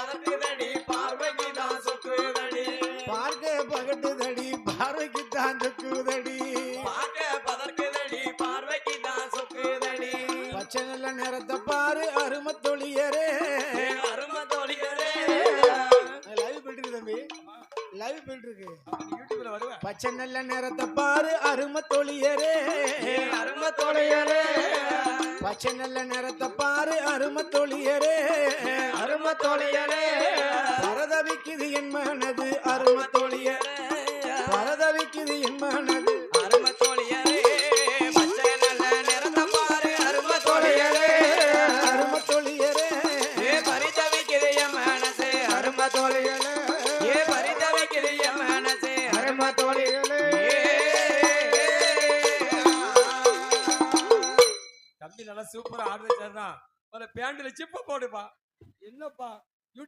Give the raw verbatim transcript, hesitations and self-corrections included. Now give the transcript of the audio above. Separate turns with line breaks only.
பதக்குதடி பார்வைக்கு தான் சொக்குதடி
பார்க்க பகட்டுதடி பார்வைக்கு தான் சொக்குதடி
பார்க்க பதக்குதடி பார்வைக்கு தான் சொக்குதடி
பச்சை நல்ல நேரத்தை பாரு அருமை தொழியரே
அருமை தோழியரே
லைவ் போயிட்டு இருக்கு தம்பி லைவ் போயிட்டு இருக்கு
யூடியூப்ல வருவேன்
பச்சை நல்ல நேரத்தை பாரு அருமை தொழியரே
அருமை தோழியரே
பச்சை நல்ல நேரத்தை பாரு அருமை தொழியரே
அருமை தோழியரே
பரதவிக்குது என் மனது அருமை தொழியரே பரதவிக்குது என் மனது
அருமை தோழியரே பச்சை நல்ல நிறத்தை பாரு அருமை தோழியரே
அருமை தொழியரே
ஏ பரிதவிக்குது என் மனசே அருமை தோழியரே ஏ பரிதவிக்குது என் மனசே அருமை தோழியரே தம்பி நல்லா சூப்பரா ஆடுறது சார் தான் பேண்ட்ல சிப்ப போடுப்பா என்னப்பா